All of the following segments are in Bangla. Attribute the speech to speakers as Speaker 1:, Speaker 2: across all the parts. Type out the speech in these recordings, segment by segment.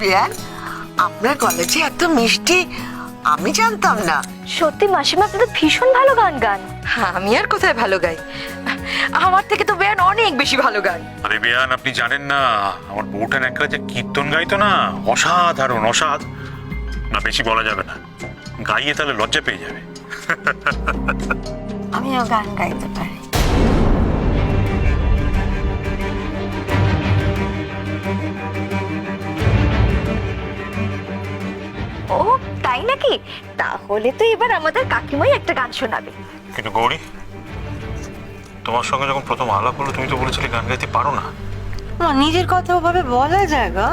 Speaker 1: বেয়ান, আপনার কলেজে এত মিষ্টি আমি জানতাম না।
Speaker 2: সত্যি মাসিমা, আপনি তো ভীষণ ভালো গান গান।
Speaker 3: আমি আর কোথায় ভালো গাই, আমার থেকে তো বেয়ান অনেক বেশি ভালো গান।
Speaker 4: আরে বেয়ান, আপনি জানেন না আমার বউটার একটা যে কীর্তন গাইতো না, অসাধারণ না বেশি বলা যাবে না, গাইয়ে তাহলে লজ্জা পেয়ে যাবে।
Speaker 1: আমিও গান গাইতে পারি।
Speaker 2: ও তাই নাকি? তাহলে তো এবার আমাদের কাকিমাই একটা গান শোনাবে।
Speaker 4: কিন্তু গৌরী, তোমার সঙ্গে যখন প্রথম আলাপ হলো তুমি তো বলেছিলে গান গাইতে পারো না।
Speaker 1: নিজের কথা ওভাবে বলা যায় গা?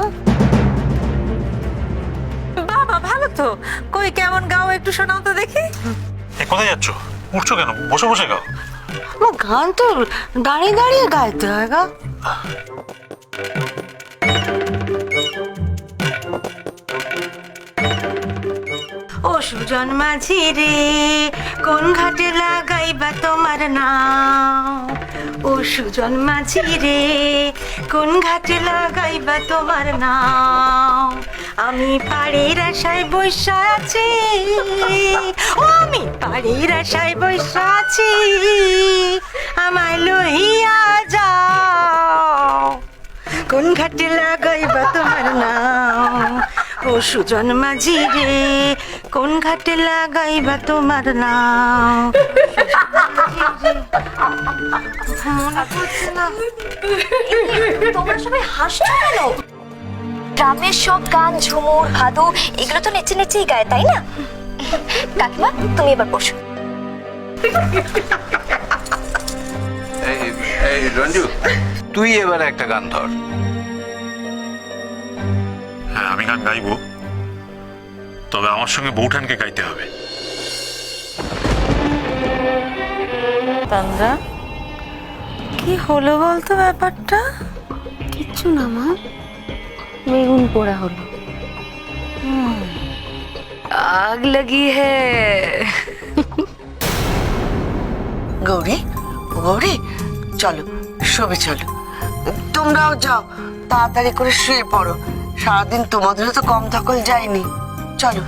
Speaker 3: বাবা ভালো তো, কই কেমন গাও একটু শোনাও তো দেখি।
Speaker 4: কোথায় যাচ্ছ? উঠছো কেন? বসে বসে গাও।
Speaker 1: গান তো দাঁড়িয়ে দাঁড়িয়ে গাইতে হয় গা। ও সুজন মাঝি রে, কোন ঘাটে লাগাইবা তোমার নাও? ও সুজন মাঝি রে, কোন ঘাটে লাগাইবা তোমার নাও? আমি পাড়ের আশায় বৈশা আছি, ও আমি পাড়ের আশায় বৈশা আছি, আমায় লইয়া যাও। কোন ঘাটে লাগাইবা তোমার নাও? ও সুজন মাঝি রে, কোন ঘাটে লাগাইবা তোমার নাও? মনে পড়ছে না।
Speaker 2: তোমরা সবাই হাসছো কেন? গ্রামের সব গান, ঝুমুর, ভাদু এগুলো তো নেচে নেচেই গায়, তাই না? কাকিমা, তুমি এবার বসো।
Speaker 5: এই রঞ্জু, তুই এবার একটা গান ধর।
Speaker 4: হ্যাঁ, আমি গান গাইবো, তবে আমার সঙ্গে বউঠানকে গাইতে হবে।
Speaker 1: তান্দ্রা, কি হলো বলতো ব্যাপারটা?
Speaker 2: কিচ্ছু না মা, বেগুন পোড়া হলো।
Speaker 3: আগ লাগি হ্যায়।
Speaker 1: গৌরী, গৌরী, চলো শোবে, চলো। তোমরাও যাও, তাড়াতাড়ি করে শুয়ে পড়ো। সারাদিন তোমাদেরও তো কম ধকল যায়নি। চলো।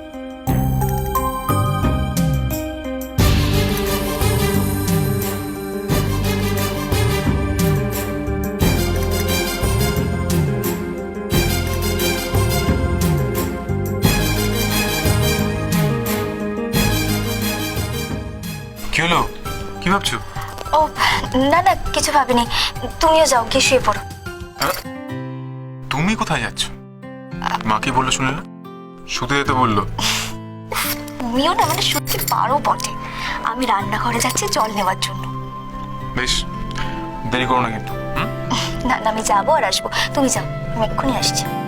Speaker 4: কি হলো? কি ভাবছো?
Speaker 2: ও না না, কিছু ভাবিনি। তুমিও যাও, গিয়ে শুয়ে পড়ো।
Speaker 4: তুমি কোথায় যাচ্ছ? মা কি বললো শুনলে না? শুতে যেতে বললো।
Speaker 2: তুমিও না মানে সত্যি পারো বটে। আমি রান্নাঘরে যাচ্ছি জল নেওয়ার জন্য।
Speaker 4: বেশ, দেরি করো না কিন্তু।
Speaker 2: না না, আমি যাবো আর আসবো, তুমি যাও, আমি এক্ষুনি আসছি।